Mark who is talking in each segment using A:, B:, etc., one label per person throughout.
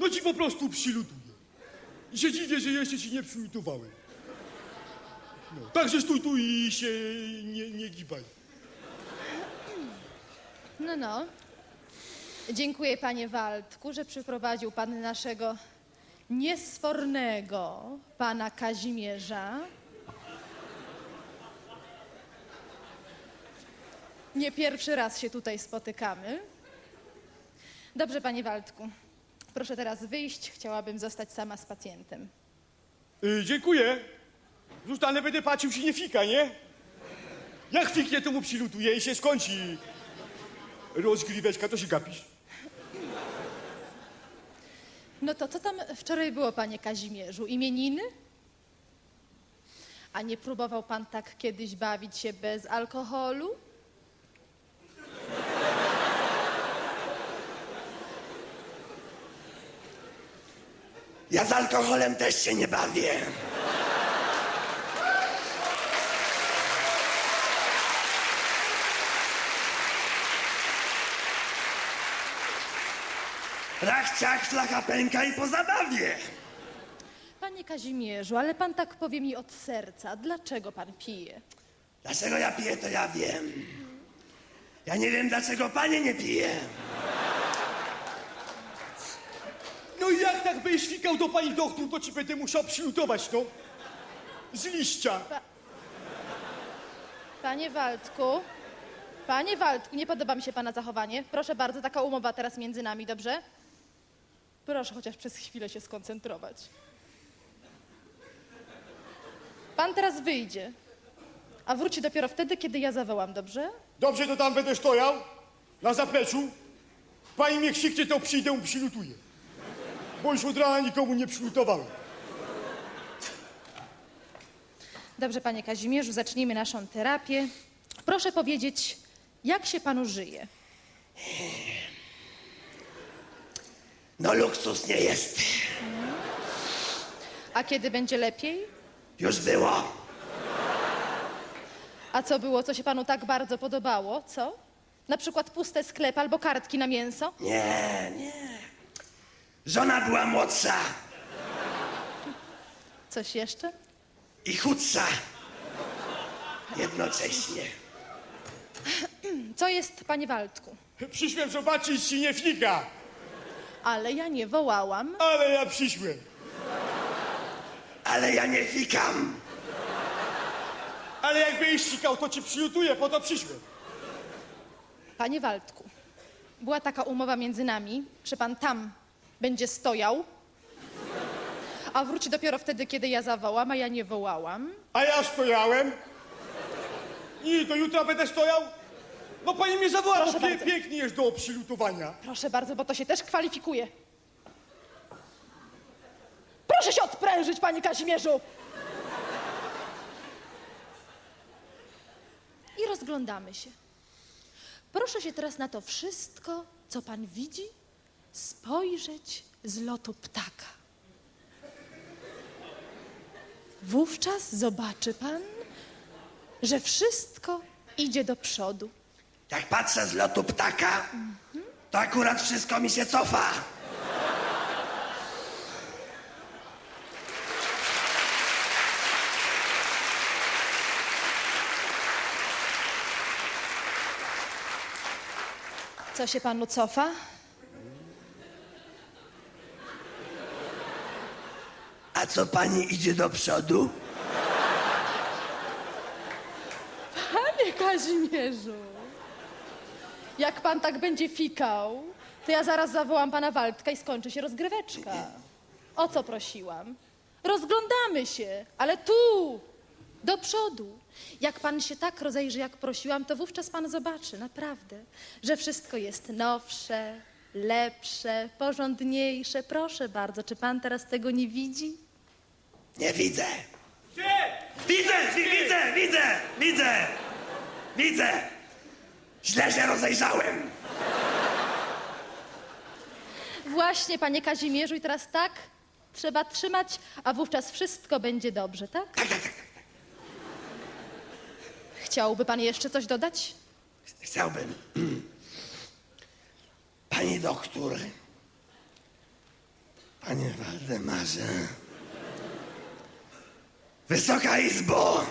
A: to ci po prostu przylutuje. I się dziwię, że jeszcze ci nie przylutowałem. No, także stój tu i się nie gibaj.
B: No. Dziękuję, panie Waldku, że przyprowadził pan naszego niesfornego pana Kazimierza. Nie pierwszy raz się tutaj spotykamy. Dobrze, panie Waldku. Proszę teraz wyjść. Chciałabym zostać sama z pacjentem.
A: Dziękuję. Zostanę, będę patrzył, czy nie fika, nie? Jak fiknie, to mu przylutuje i się skończy rozgryweczka, to się gapisz.
B: No to co tam wczoraj było, panie Kazimierzu? Imieniny? A nie próbował pan tak kiedyś bawić się bez alkoholu?
C: Ja z alkoholem też się nie bawię. Rach, ciach, flacha pęka i po zabawie.
B: Panie Kazimierzu, ale pan tak powie mi od serca. Dlaczego pan pije?
C: Dlaczego ja piję, to ja wiem. Ja nie wiem, dlaczego panie nie pije.
A: No i jak tak będziesz fikał do pani doktor, to ci będę musiał przylutować, no. Z liścia.
B: Panie Waldku, nie podoba mi się pana zachowanie. Proszę bardzo, taka umowa teraz między nami, dobrze? Proszę chociaż przez chwilę się skoncentrować. Pan teraz wyjdzie, a wróci dopiero wtedy, kiedy ja zawołam, dobrze?
A: Dobrze, to tam będę stojał, na zapleczu. Pani mnie krzyknie, to przyjdę, mu przylutuję. Bo już od rana nikomu nie przylutowałem.
B: Dobrze, panie Kazimierzu, zacznijmy naszą terapię. Proszę powiedzieć, jak się panu żyje?
C: No luksus nie jest.
B: A kiedy będzie lepiej?
C: Już było.
B: A co było, co się panu tak bardzo podobało, co? Na przykład puste sklepy albo kartki na mięso?
C: Nie. Żona była młodsza
B: Coś jeszcze?
C: i chudsza. Jednocześnie.
B: Co jest, panie Waldku?
A: Przyszłem zobaczyć, czy nie fika.
B: Ale ja nie wołałam.
A: Ale ja przyszłem.
C: Ale ja nie fikam.
A: Ale jak będziesz fikał, to ci przylutuję, po to przyszłem.
B: Panie Waldku, była taka umowa między nami, że pan tam będzie stojał, a wróci dopiero wtedy, kiedy ja zawołam, a ja nie wołałam.
A: A ja stojałem. I do jutra będę stojał? No pani mnie zawoła,
B: Proszę
A: bo
B: bardzo.
A: pięknie jest do przylutowania.
B: Proszę bardzo, bo to się też kwalifikuje. Proszę się odprężyć, panie Kazimierzu! I rozglądamy się. Proszę się teraz na to wszystko, co pan widzi, spojrzeć z lotu ptaka. Wówczas zobaczy pan, że wszystko idzie do przodu.
C: Jak patrzę z lotu ptaka, to akurat wszystko mi się cofa.
B: Co się panu cofa?
C: A co pani idzie do przodu?
B: Panie Kazimierzu, jak pan tak będzie fikał, to ja zaraz zawołam pana Waldka i skończy się rozgryweczka. O co prosiłam? Rozglądamy się, ale tu, do przodu. Jak pan się tak rozejrzy, jak prosiłam, to wówczas pan zobaczy, naprawdę, że wszystko jest nowsze, lepsze, porządniejsze. Proszę bardzo, czy pan teraz tego nie widzi?
C: Nie widzę.
A: Gdzie?
C: Widzę. Źle się rozejrzałem.
B: Właśnie, panie Kazimierzu, i teraz tak trzeba trzymać, a wówczas wszystko będzie dobrze, tak?
C: Tak.
B: Chciałby pan jeszcze coś dodać?
C: Chciałbym. Pani doktor, Panie Waldemarze. Wysoka Izbo!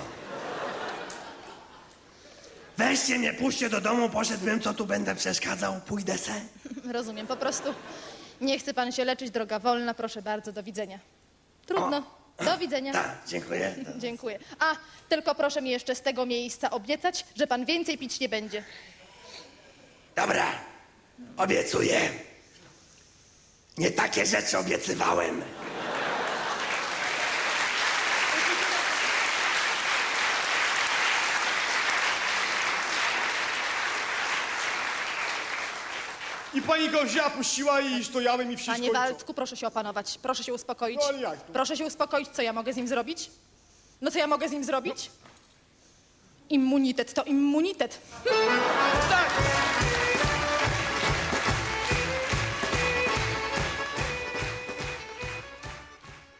C: Weźcie mnie, puśćcie do domu, poszedłbym, co tu będę przeszkadzał, pójdę se.
B: Rozumiem, po prostu nie chce pan się leczyć, droga wolna, proszę bardzo, do widzenia. Trudno, do widzenia.
C: Tak, dziękuję.
B: Dziękuję. A, tylko proszę mi jeszcze z tego miejsca obiecać, że pan więcej pić nie będzie.
C: Dobra, obiecuję. Nie takie rzeczy obiecywałem.
A: I pani go wzięła, puściła i stojałem i wszystko.
B: Panie Waldku, proszę się opanować, proszę się uspokoić.
A: No ale jak to?
B: Proszę się uspokoić, co ja mogę z nim zrobić? No co ja mogę z nim zrobić? Immunitet to immunitet.
A: Tak!